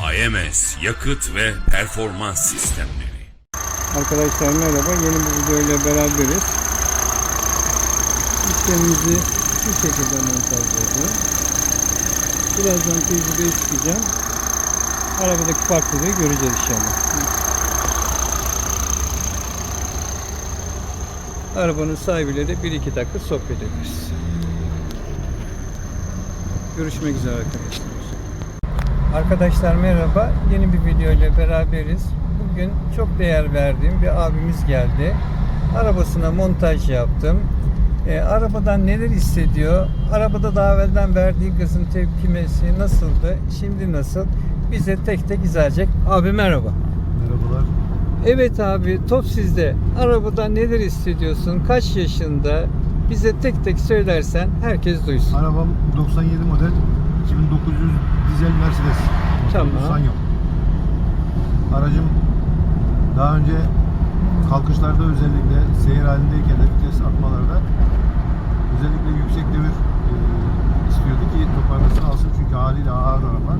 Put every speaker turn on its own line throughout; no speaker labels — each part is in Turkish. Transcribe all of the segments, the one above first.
AMS Yakıt ve Performans Sistemleri.
Arkadaşlar merhaba, yeni bir video ile beraberiz. Sistemimizi bu şekilde montajladık. Birazdan tecrübeye çıkacağım. Arabadaki farklılığı göreceğiz inşallah. Arabanın sahibiyle de 1-2 dakika sohbet ederiz. Görüşmek üzere arkadaşlar. Arkadaşlar merhaba, yeni bir video ile beraberiz. Bugün çok değer verdiğim bir abimiz geldi. Arabasına montaj yaptım. Arabadan neler hissediyor? Arabada daha evvelden verdiği gazın tepkimesi nasıldı? Şimdi nasıl? Bize tek tek izah edecek. Abi merhaba.
Merhabalar.
Evet abi, top sizde. Arabada neler hissediyorsun? Kaç yaşında? Bize tek tek söylersen herkes duysun.
Arabam 97 model 2900 dizel Mercedes.
Tamam.
Sanyo. Aracım daha önce kalkışlarda, özellikle seyir halindeyken de vites atmalarda özellikle yüksek devir istiyordu ki toparlasın alsın, çünkü haliyle ağır araba.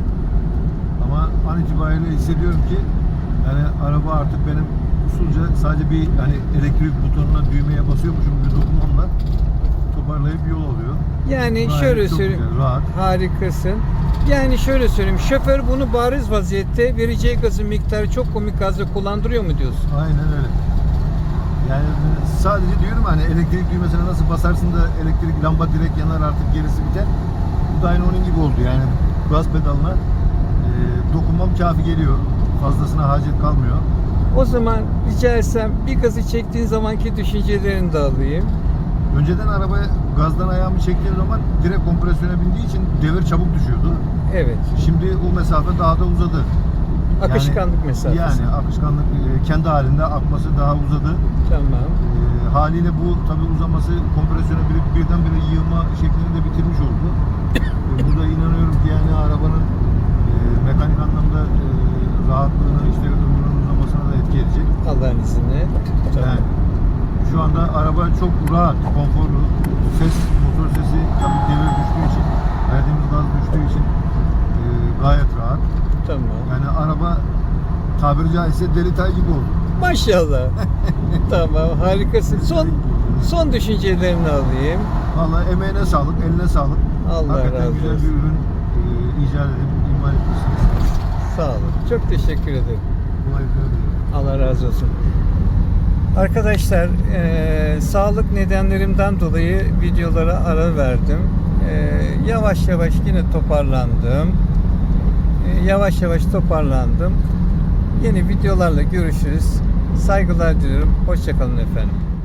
Ama an itibariyle hissediyorum ki yani araba artık benim usulca sadece bir hani elektrik butonuna, düğmeye basıyormuşum bir dokunmamla toparlayıp yol alıyor.
Yani
Gayet
şöyle
çok
söyleyeyim.
güzel, rahat.
Harikasın. Yani şöyle söyleyeyim. Şoför bunu bariz vaziyette vereceği gazın miktarı çok komik gazla kullandırıyor mu diyorsun?
Aynen öyle. Yani sadece diyorum hani elektrik düğmesine nasıl basarsın da elektrik lamba direkt yanar, artık gerisi biter. Bu da aynı onun gibi oldu yani. Gaz pedalına dokunmam kafi geliyor. Fazlasına hacet kalmıyor.
O zaman rica etsem bir gazı çektiğin zamanki düşüncelerini de alayım.
Önceden arabaya gazdan ayağımı çektiğim zaman direkt kompresyona bindiği için devir çabuk düşüyordu.
Evet.
Şimdi o mesafe daha da uzadı.
Akışkanlık mesafesi.
Yani akışkanlık kendi halinde akması daha uzadı.
Tamam.
Haliyle bu tabi uzaması kompresyona birdenbire yığılma şeklini de bitirmiş oldu. Burada inanıyorum ki yani arabanın mekanik anlamda rahatlığını, işte ömrünün uzamasına da etki edecek.
Allah'ın izniyle. Tamam.
Yani şu anda araba çok rahat, konforlu. Ses, motor sesi tabii devir düştüğü için, verdiğimiz gaz düştüğü için gayet rahat.
Tamam.
Yani araba tabiri caizse deli tay gibi oldu.
Maşallah. Tamam, harikasın. Son düşüncelerini alayım.
Vallahi emeğine sağlık, eline sağlık.
Allah
Hakikaten
razı
güzel
olsun.
bir ürün icat edip imal etmişsiniz.
Sağ olun. Çok teşekkür ederim.
Kolaylıklar diliyorum.
Allah razı olsun. Arkadaşlar, sağlık nedenlerimden dolayı videolara ara verdim. Yavaş yavaş yine toparlandım. Yavaş yavaş toparlandım. Yeni videolarla görüşürüz. Saygılar diliyorum. Hoşça kalın efendim.